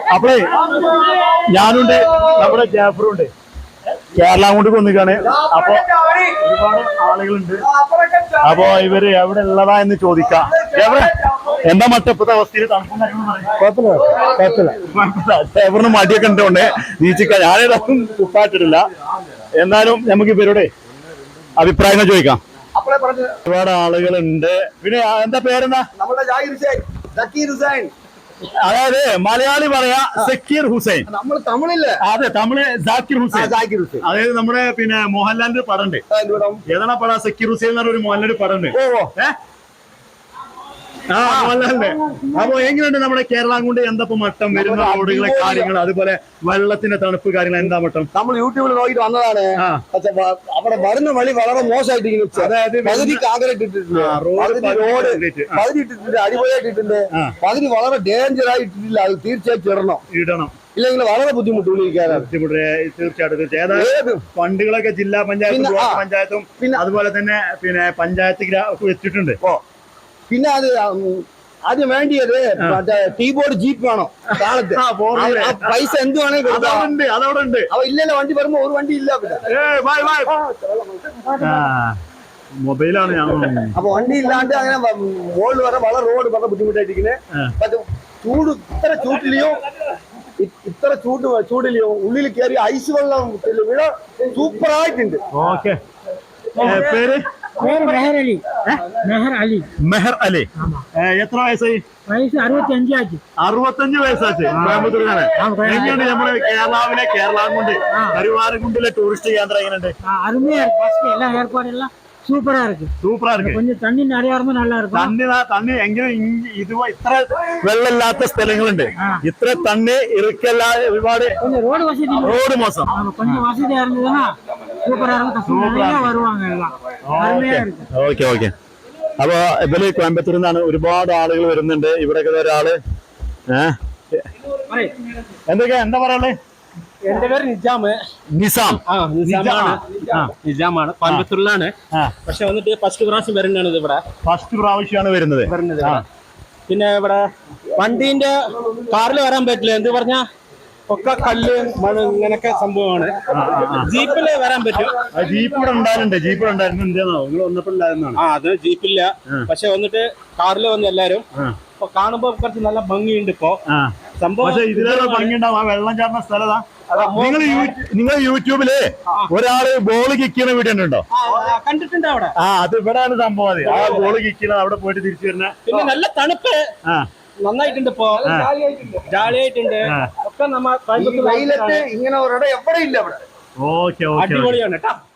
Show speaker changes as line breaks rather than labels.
അപ്പളേ ഞാനുണ്ട്, നമ്മുടെ ജാഫറുണ്ട്, കേരള കൊണ്ട് കൊന്നിക്കാണ്. അപ്പൊ ഒരുപാട് ആളുകളുണ്ട്. അപ്പൊ ഇവര് എവിടെ ഉള്ളതാ എന്ന് ചോദിക്കാം. എന്താ മറ്റേ ഇപ്പത്തെ അവസ്ഥയിൽ ജാഫറിന് മടിയൊക്കെ ഉണ്ടോണ്ട് നീച്ചിക്ക, ഞാനേതായാലും കുപ്പായിട്ടിട്ടില്ല. എന്നാലും നമുക്ക് ഇവരുടെ അഭിപ്രായങ്ങൾ ചോദിക്കാം. ഒരുപാട് ആളുകളുണ്ട്. പിന്നെ എന്താ പേരെന്താ? അതായത് മലയാളി പറയാ സക്കീർ ഹുസൈൻ,
നമ്മൾ തമിഴില്ലേ?
അതെ, തമിഴ് സാക്കിർ ഹുസൈൻ. അതായത് നമ്മുടെ പിന്നെ മോഹൻലാലിന്റെ പടം ഉണ്ട്. ഏതാണ് പടം? സക്കീർ ഹുസൈൻ എന്ന് പറഞ്ഞ ഒരു മോഹൻലാലിന്റെ പടം ഉണ്ട്. മോഹൻലാലിന്റെ. അപ്പൊ എങ്ങനെയുണ്ട് നമ്മുടെ കേരളം കൊണ്ട് എന്താ മട്ടം വരുന്ന റോഡുകളെ കാര്യങ്ങൾ, അതുപോലെ വെള്ളത്തിന്റെ തണുപ്പ് കാര്യങ്ങൾ എന്താ മട്ടം?
നമ്മൾ യൂട്യൂബിൽ നോക്കിട്ട് വന്നതാണ്. അവിടെ വരുന്ന വഴി വളരെ മോശമായിട്ട്, അതായത് പകുതി കാങ്കറേറ്റ് ഇട്ടിട്ടുണ്ട്, പകുതി ഇട്ടിട്ടുണ്ട്, അടിപൊളിയായിട്ടിട്ടുണ്ട്. പകുതി വളരെ ഡേഞ്ചർ ആയിട്ടില്ല. അത് തീർച്ചയായിട്ടും ഇടണം, ഇല്ലെങ്കിൽ വളരെ ബുദ്ധിമുട്ട്.
തീർച്ചയായിട്ടും ഫണ്ടുകളൊക്കെ ജില്ലാ പഞ്ചായത്തും ബ്ലോക്ക് പഞ്ചായത്തും അതുപോലെ തന്നെ പിന്നെ പഞ്ചായത്ത് വെച്ചിട്ടുണ്ട്.
പിന്നെ അത് ആദ്യം വേണ്ടിയത് മറ്റേ കീബോർഡ് ജീപ്പ് വേണം കാലത്ത്. പൈസ എന്ത് വേണമെങ്കിൽ
അതവിടെ ഉണ്ട്.
അവ ഇല്ലല്ലോ, വണ്ടി വരുമ്പോ ഒരു വണ്ടി ഇല്ല.
മൊബൈലാണ് ഞാൻ.
അപ്പൊ വണ്ടി ഇല്ലാണ്ട് അങ്ങനെ റോഡ് വരെ വളരെ ബുദ്ധിമുട്ടായിട്ടിരിക്കുന്നത്. ചൂട് ഇത്ര ചൂടിലെയോ ഉള്ളിൽ കയറി ഐസ് വെള്ളം വീഴ സൂപ്പറായിട്ടുണ്ട്.
ഓക്കെ. പേര്? മെഹർ അലി. എത്ര വയസ്സായി? 65 വയസ്സാച്ച്. കോയമ്പത്തൂരിലാണ്. എങ്ങനെയുണ്ട് നമ്മുടെ കേരളാവിലെ കേരളാംകുണ്ട് കരുവാരക്കുണ്ടിലെ ടൂറിസ്റ്റ് കേന്ദ്രം? എങ്ങനെയുണ്ട്?
சூப்பரா இருக்கு. கொஞ்சம் தண்ணி நிறைய இருந்தா நல்லா இருக்கும்.
തണ്ണി എങ്കിലും ഇത് ഇത്ര വെള്ളമില്ലാത്ത സ്ഥലങ്ങളുണ്ട്. ഇത്ര തണ്ണി ഇറുക്കല്ല, ഒരുപാട് റോഡ് മോശം.
கொஞ்சம் வசதியா இருந்ததுன்னா சூப்பரா இருக்கும். வருவாங்க எல்லாம்.
ഓക്കെ. അപ്പൊ ഇവര് കോയമ്പത്തൂരിൽ നിന്നാണ് ഒരുപാട് ആളുകൾ വരുന്നുണ്ട്. ഇവിടെയൊക്കെ ഒരാള് എന്താ പറയാ?
എന്റെ പേര് നിജാമാണ്. കോയമ്പത്തൂരിലാണ്. പക്ഷെ വന്നിട്ട് ഫസ്റ്റ് പ്രാവശ്യം വരുന്നതാണ് ഇവിടെ.
ഫസ്റ്റ് പ്രാവശ്യമാണ് വരുന്നത്.
പിന്നെ ഇവിടെ വണ്ടീന്റെ കാറിൽ വരാൻ പറ്റില്ല. എന്ത് പറഞ്ഞാ ഒക്കെ കല്ല് മണ്ണ് ഇങ്ങനൊക്കെ സംഭവമാണ്. ജീപ്പില് വരാൻ പറ്റും.
ജീപ്പ് ഇവിടെ ഉണ്ടായിരുന്നു. എന്താണോ നിങ്ങൾ വന്നപ്പോൾ ഉണ്ടായിരുന്നാണ്?
അത് ജീപ്പില്ല. പക്ഷെ വന്നിട്ട് കാറിൽ വന്ന് എല്ലാരും കാണുമ്പോ കുറച്ച് നല്ല ഭംഗിയുണ്ട്. ഇപ്പൊ സംഭവം
ഇതിലേറെ ഭംഗിയുണ്ടാവും. ആ വെള്ളം ചാടുന്ന സ്ഥലതാ. നിങ്ങൾ യൂട്യൂബില് ഒരാള് ബോള് കിക്കുന്ന വീഡിയോ ഉണ്ടോ?
കണ്ടിട്ടുണ്ട് അവിടെ.
അത് ഇവിടെയാണ് സംഭവം. ആ ബോള് കിക്കുന്നത് അവിടെ പോയിട്ട് തിരിച്ചു വരുന്ന.
പിന്നെ നല്ല തണുപ്പ് നന്നായിട്ടുണ്ട്. ഇപ്പൊ ജാളിയായിട്ടുണ്ട്. ഒക്കെ നമ്മ
ഇങ്ങനെ ഒരിടം എവിടെ ഇല്ല. അവിടെ
അടിപൊളിയാണ് കേട്ടോ.